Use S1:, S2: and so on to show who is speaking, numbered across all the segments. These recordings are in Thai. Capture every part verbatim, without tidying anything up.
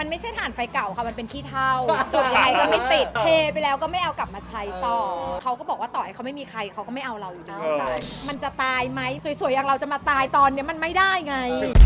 S1: ไม่ใช่ถ่านไฟเก่าค่ะมันเป็นขี้เถ้าจุดยังไงก็ไม่ติดเทไปแล้วก็ไม่เอากลับมาใช้ต่อเขาก็บอกว่าต่อให้เขาไม่มีใครเขาก็ไม่เอาเราอยู่ดีมันจะตายไหมสวยๆอย่างเราจะมาตายตอนเนี้ยมันไม่ได้ไง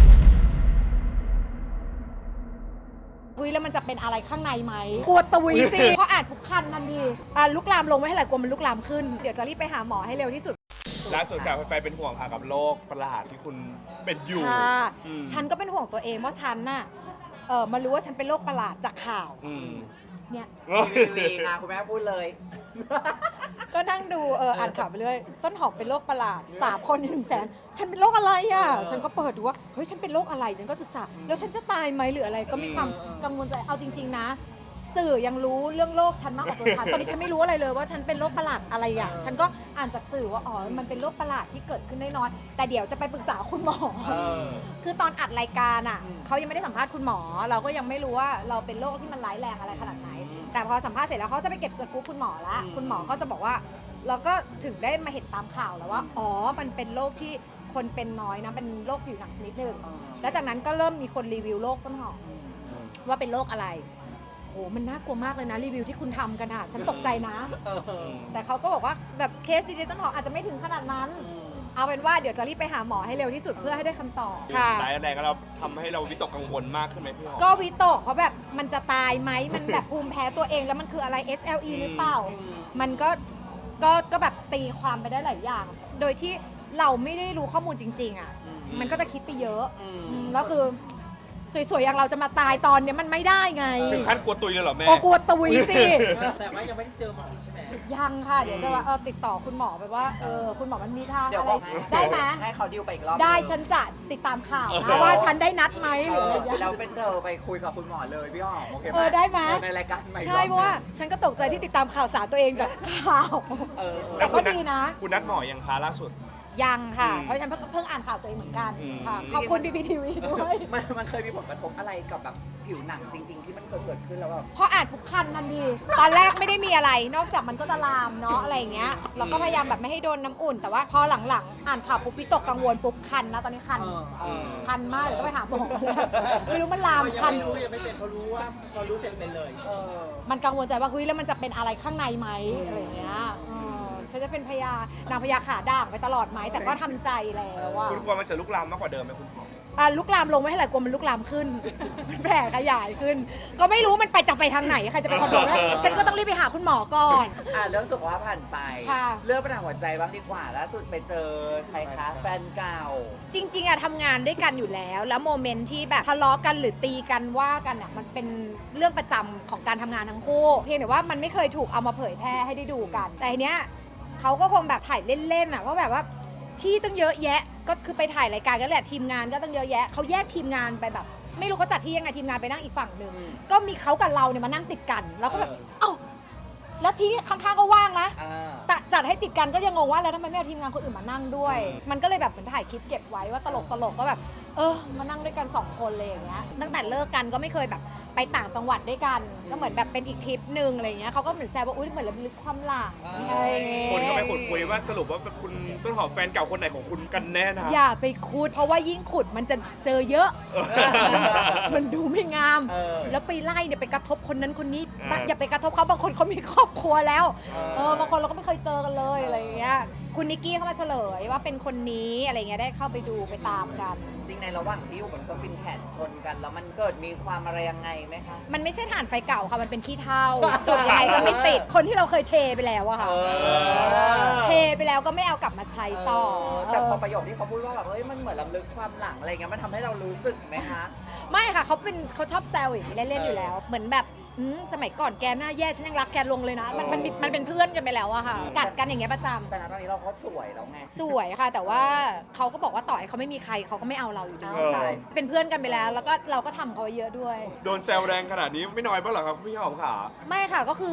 S1: เฮ้ยแล้วมันจะเป็นอะไรข้างในไหมกลัวตุยสิเพราะอาจปุกคันทันทีอ่ะลุกลามลงไม่ให้ไหร่กลัวมันลุกลามขึ้นเดี๋ยวจะรีบไปหาหมอให้เร็วที่สุด
S2: ล่าสุดค่ะไปเป็นห่วงค่ะกับโรคประหลาดที่คุณเป็นอยู่
S1: ฉันก็เป็นห่วงตัวเองว่าฉันน่ะเออมารู้ว่าฉันเป็นโรคประหลาดจากข่าวเนี่ย
S3: วีนะคุณแม่พูดเลย
S1: ก็นั่งดูเอออ่านข่าวไปเรื่อยต้นหอมเป็นโรคประหลาดสามคนในหนึ่งแสนฉันเป็นโรคอะไรอ่ะฉันก็เปิดดูว่าเฮ้ยฉันเป็นโรคอะไรฉันก็ศึกษาแล้วฉันจะตายไหมหรืออะไรก็มีความกังวลใจเอาจริงๆนะสื่อยังรู้เรื่องโรคฉันมากกว่าตัวฉันตอนนี้ฉันไม่รู้อะไรเลยว่าฉันเป็นโรคประหลาดอะไรอ่ะฉันก็อ่านจากสื่อว่าอ๋อมันเป็นโรคประหลาดที่เกิดขึ้นได้น้อยแต่เดี๋ยวจะไปปรึกษาคุณหมอคือตอนอัดรายการอ่ะเขายังไม่ได้สัมภาษณ์คุณหมอเราก็ยังไม่รู้ว่าเราเป็นโรคที่มันร้ายแรงอะไรขนาดไหนแต่พอสัมภาษณ์เสร็จแล้วเขาจะไปเก็บสกู๊ปคุณหมอแล้วคุณหมอก็จะบอกว่าเราก็ถึงได้มาเห็นตามข่าวแล้วว่าอ๋อมันเป็นโรคที่คนเป็นน้อยนะเป็นโรคผิวหนังชนิดหนึ่งแล้วจากนั้นก็เริ่มมีคนรีวิวโรคต้นหอมว่าเป็นโรคอะไรโหมันน่ากลัวมากเลยนะรีวิวที่คุณทำกันอ่ะฉันตกใจนะแต่เขาก็บอกว่าแบบเคสดีเจต้นหอมอาจจะไม่ถึงขนาดนั้นเอาเป็นว่าเดี๋ยวจะรีบไปหาหมอให้เร็วที่สุดเพื่อให้ได้คำตอบค่ะ
S2: หลายแรงเราทำให้เราวิตกกังวลมากขึ้นไหมพี่หอม
S1: ก็วิตกเพราะแบบมันจะตายไหมมันแบบภูมิแพ้ตัวเองแล้วมันคืออะไร เอส แอล อี หรือเปล่ามันก็ก็ก็แบบตีความไปได้หลายอย่าง โดยที่เราไม่ได้รู้ข้อมูลจริงๆอ่ะมันก็จะคิดไปเยอะแล้วคือสวยๆอย่างเราจะมาตายตอนเนี้ยมันไม่ได้ไง
S2: ถึงขั้นกลัวตุยเลยเหรอแม่
S1: กลัวตุยสิ
S3: แต่ว่ายังไม่ได้เจอหมอใช่ไหม
S1: ยังค่ะเดี๋ยวจะว่าเออติดต่อคุณหมอไปว่าเออคุณหมอมันมีทางอะไรได้ไหม
S3: ให้เขาดิวไปอีกรอบ
S1: ได้ฉันจะติดตามข่าวนะว่าฉันได้นัดไหมหรืออะไรอย่างเงี้ย
S3: เราเป็นเธอไปคุยกับคุณหมอเลยพี่หอมโอเคไหม
S1: เออได้ไหม
S3: ในรายการใหม่
S1: ใช่เพราะว่าฉันก็ตกใจที่ติดตามข่าวสารตัวเองจากข่าวแต่ก็ดีนะ
S2: คุณนัดหมอยังคะล่าสุด
S1: ยังค่ะเพราะฉันเพิ่งอ่านข่าวตัวเองเหมือนกันค่ะขอบคุณ บี บี ที วี ด้วย
S3: มันมันเคยมีผลกระทบอะไรกับแบบผิวหนังจริงๆที่มันเคยเกิดขึ้นแล้วแบบ
S1: พออ่านปุ๊บคันทันทีตอนแรกไม่ได้มีอะไรนอกจากมันก็จะลามเนาะอะไรอย่างเงี้ยเราก็พยายามแบบไม่ให้โดนน้ำอุ่นแต่ว่าพอหลังๆอ่านข่าวปุ๊บวิตกกังวลปุ๊บคันนะตอนนี้คันคันมากเดี๋ยวต้องไปหาหมอไม่รู้มันลามคัน
S3: รู้ยังไม่เป็นเขารู้ว่าเขารู้เป็นเป็นเลย
S1: มันกังวลใจว่าเฮ้ยแล้วมันจะเป็นอะไรข้างในไหมอะไรอย่างเงี้ยฉันจะเป็นพญานางพญาขาด่างไปตลอดไหมแต่ก็ทำใจแล้วว่า
S2: คุณกลัวมันจะลุกลามมากกว่าเดิมไหมคุณหมอ
S1: อ่ะลุกลามลงไม่ให้ไหร่กลัวมันลุกลามขึ้นมันแผ่ขยายขึ้นก็ไม่รู้มันไปจะไปทางไหนใครจะไปคอนโทรลได้ฉันก็ต้องรีบไปหาคุณหมอก่อน
S3: อ่ะเรื่องสุขภาพผ่านไปเรื่องปัญหาหัวใจบ้างดีกว่าล่าสุดไปเจอใครคะแฟนเก่า
S1: จริงๆอะทำงานด้วยกันอยู่แล้วแล้วโมเมนต์ที่แบบทะเลาะกันหรือตีกันว่ากันอะมันเป็นเรื่องประจำของการทำงานทั้งคู่เพียงแต่ว่ามันไม่เคยถูกเอามาเผยแพร่ให้ได้ดูกันแต่ทีเนี้ยเขาก็คงแบบถ่ายเล่นๆอะว่าแบบว่าที่ตั้งเยอะแยะก็คือไปถ่ายรายการกันแหละทีมงานก็ตั้งเยอะแยะเขาแยกทีมงานไปแบบไม่รู้เขาจัดที่ยังไงทีมงานไปนั่งอีกฝั่งหนึ่งก็มีเขากับเราเนี่ยมานั่งติดกันแล้วก็แบบเอ้าแล้วที่ข้างๆก็ว่างนะแต่จัดให้ติดกันก็ยังงงว่าแล้วทำไมไม่เอาทีมงานคนอื่นมานั่งด้วยมันก็เลยแบบเหมือนถ่ายคลิปเก็บไว้ว่าตลกตลกก็แบบเออมานั่งด้วยกันสองคนเลยอย่างเงี้ยตั้งแต่เลิกกันก็ไม่เคยแบบไปต่างจังหวัดด้วยกันก็เหมือนแบบเป็นอีกทริปหนึ่งอะไรเงี้ยเขาก็เหมือนแซวว่าอุ้ยเหมือนระลึกความหลัง
S2: คนก็ไปขุดคุยว่าสรุปว่าคุณต้นหอมแฟนเก่าคนไหนของคุณกันแน่นะ
S1: อย่าไปขุดเพราะว่ายิ่งขุดมันจะเจอเยอะมันดูไม่งามแล้วไปไล่เนี่ยไปกระทบคนนั้นคนนี้อย่าไปกระทบเขาบางคนเขามีครอบครัวแล้วเออบางคนเราก็ไม่เคยเจอกันเลยอะไรเงี้ยคุณนิกกี้เข้ามาเฉลยว่าเป็นคนนี้อะไรเงี้ยได้เข้าไปดูไปตามกัน
S3: จริงในระหว่างที่อยู่บนเครื่องบินแขนชนกันแล้วมันเกิดมีความอะไรยังไงไหมคะ
S1: มันไม่ใช่ถ่านไฟเก่าค่ะมันเป็นขี้เถ้าจุดยังไงก็ไม่ติดคนที่เราเคยเทไปแล้วอะค่ะเทไปแล้วก็ไม่เอากลับมาใช้ต่อ
S3: แต่พอประโยคที่เขาพูดว่าแบบเอ้ยมันเหมือนลำลึกความหลังอะไรเงี้ยมันทำให้เรารู้สึกไหมคะ
S1: ไม่ค่ะเขาเป็นเขาชอบแซวอย่างนี้เล่นๆอยู่แล้วเหมือนแบบสมัยก่อนแกหน้าแย่ฉันยังรักแกลงเลยนะมันมันมันเป็นเพื่อนกันไปแล้วอะค่ะกัดกันอย่างเงี้ยประจำ
S3: แต่ตอนนี้เราก็สวยแล้วไง
S1: สวยค่ะแต่ว่าเขาก็บอกว่าต่อให้เขาไม่มีใครเขาก็ไม่เอาเราอยู่ดีเป็นเพื่อนกันไปแล้วแล้วก็เราก็ทำเขาเยอะด้วย
S2: โดนแซวแรงขนาดนี้ไม่น้อยบ้างเหรอครับพี่หอมขา
S1: ไม่ค่ะก็คือ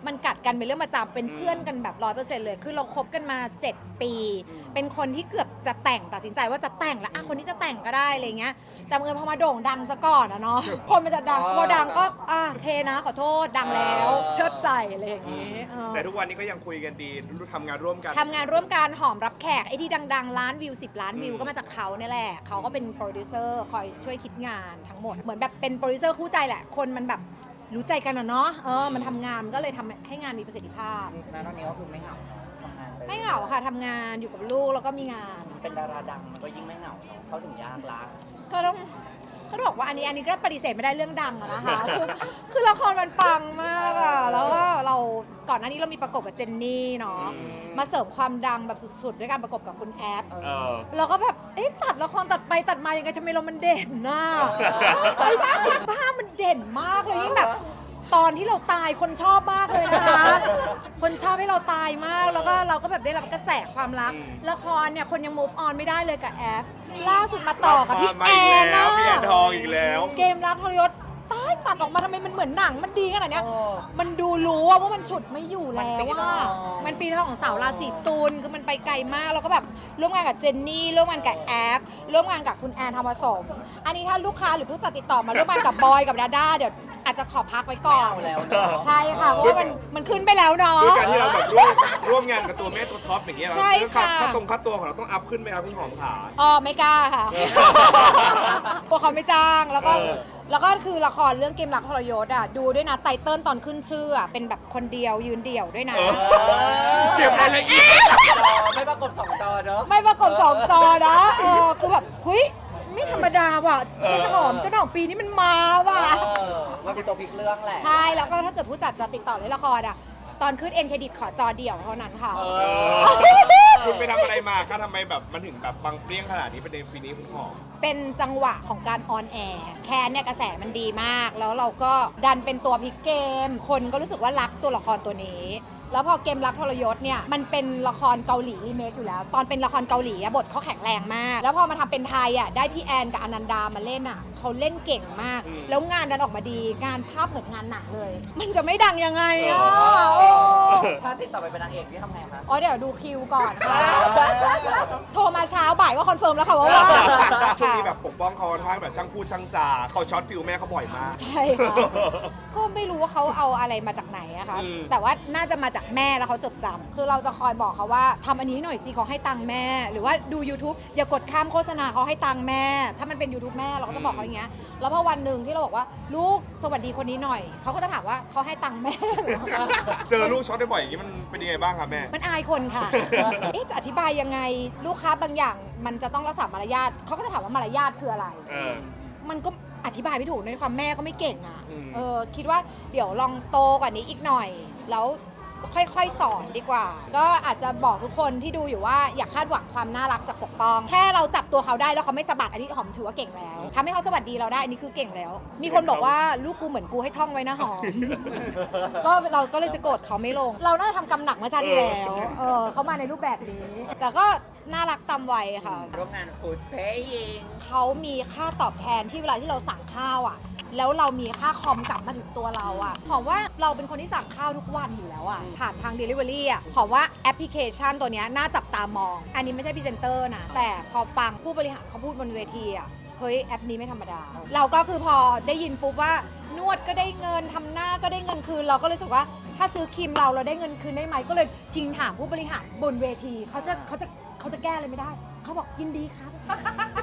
S1: มันกัดกันเป็นเรื่องประจำเป็นเพื่อนกันแบบร้อยเปอร์เซ็นต์เลยคือเราคบกันมาเจ็ดปี เป็นคนที่เกือบจะแต่งตัดสินใจว่าจะแต่งแล้วอ่ะคนนี้จะแต่งก็ได้อะไรเงี้ยแต่เมื่อพอมาโด่งดังซะก่อนอะเนาะคนมันจะดังพอดังก็อ่ะเทนะขอโทษดังแล้วเชิดใส่อะไรอย่างงี้เออ
S2: แต่ทุกวันนี้ก็ยังคุยกันดีทำงานร่วมกัน
S1: ทำงานร่วมกันหอมรับแขกไอ้ที่ดังๆล้านวิวสิบล้านวิวก็มาจากเขาเนี่ยแหละเขาก็เป็นโปรดิวเซอร์คอยช่วยคิดงานทั้งหมดเหมือนแบบเป็นโปรดิวเซอร์คู่ใจแหละคนมันแบบรู้ใจกันอะเนาะเออมันทำงานมันก็เลยทำให้งานมีประสิทธิภาพ
S3: ณตอนนี้ก็คือไม่เหงาทำงานป
S1: ไม่เหงาค่ะทำงานอยู่กับลูกแล้วก็มีงาน
S3: เป็นดาราดังมันก็ยิ่งไม่เหงาเนอะเขาถึงยากละ
S1: ก็ต้องก็ต้องบอกว่าอันนี้อันนี้ก็ปฏิเสธไม่ได้เรื่องดังอะนะคะ คือคือละครมันปังมากอะแล้วก็เราก่อนหน้านี้เรามีประกบกับเจนนี่เนาะมาเสริมความดังแบบสุดๆด้วยการประกบกับคุณแอฟ
S2: เออ
S1: เราก็แบบเอ๊ะตัดละครตัดไปตัดมายังไงทำไมเรามันเด่นน่ะไอ้บ้าบ้ามันเด่นมากเลยยิ่งแบบตอนที่เราตายคนชอบมากเลยนะคะคนชอบให้เราตายมากแล้วก็เราก็แบบได้รับกระแสความรัก
S2: อืม
S1: ละครเนี่ยคนยัง move on ไม่ได้เลยกับแอฟล่าสุดมาต่อกับพี่
S2: มา
S1: แอ
S2: อีก
S1: น
S2: แล้ว
S1: นะ
S2: พี่แอนทองอีกแล้ว
S1: เกมรักทรยศตายตัดออกมาทำไมมันเหมือนหนังมันดีขนาดเนี้ย
S3: เออ
S1: มันดูรู้อะว่ามันฉุดไม่อยู่แล้ว
S3: มันปีท
S1: ว่า
S3: อง
S1: มันปีทองของสาวราศีตุลคือมันไปไกลมากแล้วก็แบบร่วมงานกับเจนนี่ร่วมงานกับแอฟร่วมงานกับคุณแอนทองผสม อันนี้ถ้าลูกค้าหรือผู้จัดติดต่อมาร่วมงานกับบอยกับดาด้าเดี๋ยวอาจจะขอพักไว้ก่อน
S3: ไม่เอาแล้วเนอะ
S1: ใช่ค่ะเพราะว่ามันมันขึ้นไปแล้วเนาะ
S2: ด้วยการที่เราแบบร่วมร่วมงานกับตัวแม่ตัวท็อปอย่างเงี้ย
S1: ใช่ค่ะ
S2: ค่าตรงค่าตัวของเราต้องอัพขึ้นไหมครับพี่หอมขา
S1: อ๋อไม่กล้าค่ะพวกเขาไม่จ้างแล้วก็
S2: เออ
S1: แล้วก็คือละครเรื่องเกมรักทรยศอ่ะดูด้วยนะไตเติ้ลตอนขึ้นชื่ออ่ะเป็นแบบคนเดียวยืนเดี่ยวด้วยนะ
S2: เออเก็บรายละเอียด
S3: จอไม่ปรากฏสองจอเนอะ
S1: ไม่ประกบสองจอนะเออคือแบบเฮ้ยไม่ธรรมดาว่ะ
S2: เออ
S1: ต้นหอมต้นหอมปีนี้มันมาว่ะ
S3: เออมันเป็นตัวพลิกเรื่องแหละ
S1: ใช่แล้วก็ถ้าเกิดผู้จัดจะติดต่อเล่นละครอ่ะตอนขึ้นเอ็นเครดิตขอจอเดี่ยวเท่านั้นค่ะ
S3: เอ
S2: เอ
S3: อ
S2: อคุณไปทำอะไรมาคะทำไมแบบมันถึงแบบบังเปรี้ยงขนาดนี้ประเด็นปีนี้คุณหอม
S1: เป็นจังหวะของการออนแอร์แคนเนี่ยกระแสมันดีมาก แล้วเราก็ดันเป็นตัวพลิกเกม คนก็รู้สึกว่ารักตัวละครตัวนี้ แล้วพอเกมรักทรยศเนี่ยมันเป็นละครเกาหลีรีเมคอยู่แล้ว ตอนเป็นละครเกาหลีอะบทเขาแข็งแรงมาก แล้วพอมาทำเป็นไทยอ่ะได้พี่แอนกับอนันดามาเล่นอ่ะเขาเล่นเก่งมาก
S2: อืม
S1: แล้วงานดันออกมาดีงานภาพเหมือนงานหนังเลย มันจะไม่ดังยังไงอ่ะ
S2: เออ
S1: โอ้
S3: ถ้าติดต่อไปเป็นนางเอกนี่ทำไงคะ
S1: อ๋อเดี๋ยวดูคิวก่อนค่ะ โทรมาเช้าบ่ายก็คอนเฟิร์มแล้วค่ะว่าว่าง
S2: ช่วงนี้แบบปกป้องเขาค่อนข้างแบบช่างพูดช่างจาเขาช็อตฟิลแม่เขาบ่อยมาก
S1: ใช่ค่ะ ก็ไม่รู้ว่าเขาเอาอะไรมาจากไหนอะคะ
S2: อืม
S1: แต่ว่าน่าจะมาจากแม่แล้วเขาจดจำคือเราจะคอยบอกเขาว่าทำอันนี้หน่อยสิเขาให้ตังค์แม่ หรือว่าดู YouTube อย่ากดข้ามโฆษณาเขาให้ตังค์แม่ ถ้ามันเป็น YouTube แม่เราก็จะบอกเขาอย่างเงี้ย แล้วพอวันหนึ่งที่เราบอกว่าลูกสวัสดีคนนี้หน่อย เขาก็จะถามว่าเขาให้ตังค์แม่เหรอ
S2: เจอลูกช็อตบ่อยๆอย่างนี้มันเป็นยังไงบ้างครับแม่
S1: มันอายคนค่ะ เอ๊ะจะอธิบายยังไงลูกค้าบางอย่าง มันจะต้องรักษามารยาทเขาก็จะถามว่ามารยาทคืออะไร
S2: เออ
S1: มันก็อธิบายไม่ถูกในความแม่ก็ไม่เก่งอ่ะ
S2: อืม
S1: เออคิดว่าเดี๋ยวลองโตกว่านี้อีกหน่อย แล้วค่อยๆสอนดีกว่า ก็อาจจะบอกทุกคนที่ดูอยู่ว่าอย่าคาดหวังความน่ารักจากปกป้อง แค่เราจับตัวเขาได้แล้วเขาไม่สะบัดอันนี้หอมถือว่าเก่งแล้วทำให้เขาสวัสดีเราได้อันนี้คือเก่งแล้ว มีคนบอกว่าลูกกูเหมือนกูให้ท่องไว้นะหอม ก็เราก็เลยจะโกรธเขาไม่ลง เราน่าจะทำกรรมหนักเมื่อชาติที่แล้วเออเขามาในรูปแบบนี้ แต่ก็น่ารักตามวัยค่ะ
S3: ร่วมงานฟูดเพยิง
S1: เขามีค่าตอบแทนที่เวลาที่เราสั่งข้าวอ่ะ แล้วเรามีค่าคอมกลับมาถึงตัวเราอ่ะหอมว่าเราเป็นคนที่สั่งข้าวทุกวันอยู่แล้วอ่ะ ผ่านทาง Delivery อ่ะหอมว่าแอปพลิเคชันตัวเนี้ยน่าจับตามอง อันนี้ไม่ใช่พรีเซนเตอร์นะ แต่พอฟังผู้บริหารเขาพูดบนเวทีอ่ะ เฮ้ยแอปนี้ไม่ธรรมดา เราก็คือพอได้ยินปุ๊บว่านวดก็ได้เงินทำหน้าก็ได้เงินคืน เราก็เลยรู้สึกว่าถ้าซื้อครีมเราเราได้เงินคืนได้ไหมก็เลยชิงถามผู้บริหารบนเวทีเขาจะเขาจะเขาจะแก้อะไรไม่ได้ เขาบอกยินดีครับ